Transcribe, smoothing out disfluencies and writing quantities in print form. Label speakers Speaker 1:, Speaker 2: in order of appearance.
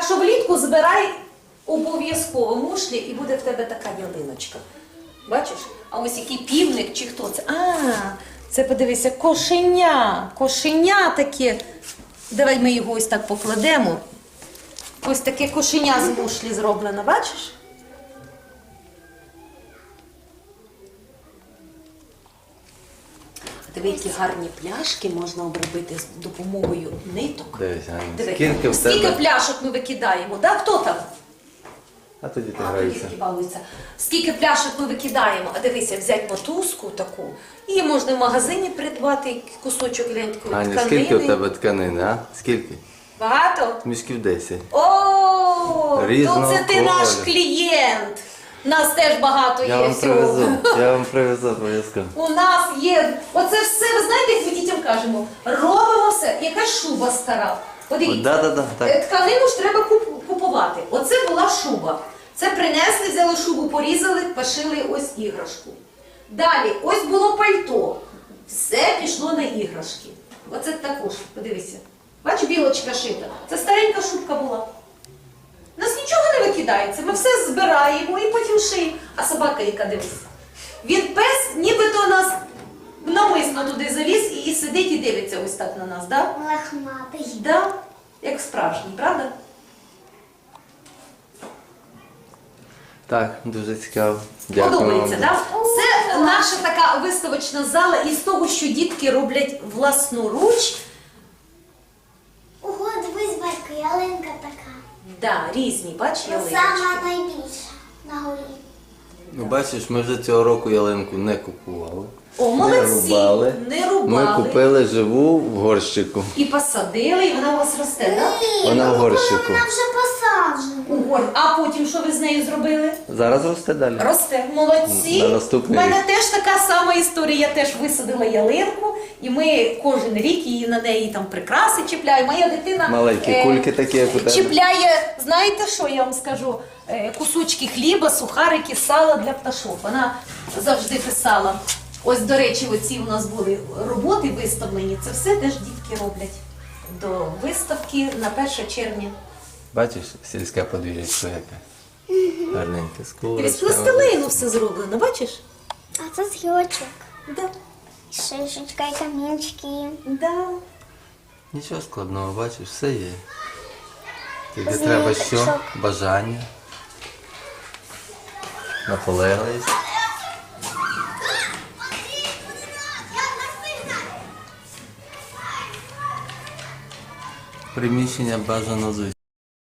Speaker 1: Так що влітку збирай обов'язково мушлі і буде в тебе така ялиночка. Бачиш? А ось який півник чи хто це? Це подивися, кошеня. Кошеня таке. Давай ми його ось так покладемо. Ось таке кошеня з мушлі зроблено, бачиш? Диви, які гарні пляшки можна обробити з допомогою ниток.
Speaker 2: Дивись,
Speaker 1: Диви, скільки пляшок ми викидаємо, да? Хто там?
Speaker 2: А тоді ти
Speaker 1: Тоді
Speaker 2: граєшся.
Speaker 1: дітки балуються. Скільки пляшок ми викидаємо, а дивися, взяти мотузку таку, і можна в магазині придбати кусочок лентької
Speaker 2: Аня,
Speaker 1: тканини.
Speaker 2: скільки у тебе тканини, а? Скільки?
Speaker 1: Багато?
Speaker 2: Мішків 10.
Speaker 1: О, то
Speaker 2: Різного
Speaker 1: це ти наш
Speaker 2: кольору.
Speaker 1: клієнт. Нас теж багато
Speaker 2: Я
Speaker 1: є
Speaker 2: вам
Speaker 1: всього.
Speaker 2: привезу, я вам привезу обов'язково.
Speaker 1: У нас є, оце все, ви знаєте, як ми дітям кажемо, робимо все, якась шуба стара. Подивіться,
Speaker 2: Так.
Speaker 1: тканину ж треба купувати. Оце була шуба. Це принесли, взяли шубу, порізали, пошили ось іграшку. Далі, ось було пальто. Все пішло на іграшки. Оце також, подивися. Бачу, білочка шита. Це старенька шубка була. У нас нічого не викидається, ми все збираємо і потім шиємо. А собака, яка дивись. Він пес, нібито нас навмисно туди заліз і сидить і дивиться ось так на нас, так?
Speaker 3: Лохматий.
Speaker 1: Да? Як справжній, правда?
Speaker 2: Так, дуже цікаво. Дякую вам.
Speaker 1: Подобається, так? Це наша така виставочна зала із того, що дітки роблять власноруч.
Speaker 3: Ого, дивись, батько, ялинка така.
Speaker 1: Да, різні, бач, ялиночки.
Speaker 3: Сама найбільша на горі.
Speaker 2: Ну, бачиш, ми вже цього року ялинку не купували.
Speaker 1: О, молодці, не рубали.
Speaker 2: Ми купили живу в горщику.
Speaker 1: І посадили, і вона у вас росте, так?
Speaker 2: Вона в горщику.
Speaker 3: Вона вже посаджена.
Speaker 1: А потім що ви з нею зробили?
Speaker 2: Зараз росте далі.
Speaker 1: Росте. Молодці.
Speaker 2: На наступний
Speaker 1: У мене
Speaker 2: рік.
Speaker 1: теж така сама історія. Я теж висадила ялинку, і ми кожен рік її на неї там прикраси чіпляємо. Моя дитина
Speaker 2: Маленькі кульки такі, як у тебе.
Speaker 1: чіпляє, знаєте що я вам скажу? Кусочки хліба, сухарики, сала для пташок. Вона завжди писала. Ось, до речі, оці у нас були роботи виставлені. Це все теж дітки роблять до виставки на 1 червня.
Speaker 2: Бачиш, сільське подвір'ячко яке. Гарненьке, з
Speaker 1: Із
Speaker 2: курочками.
Speaker 1: пластилину все зроблено, бачиш?
Speaker 3: А це зйочок.
Speaker 1: Да.
Speaker 3: Шишечка і камінчики.
Speaker 1: Да.
Speaker 2: Нічого складного, бачиш, все є. Тобі
Speaker 3: З
Speaker 2: треба що?
Speaker 3: ниточок.
Speaker 2: Бажання. Наполегливість. Приміщення бажано звичайно.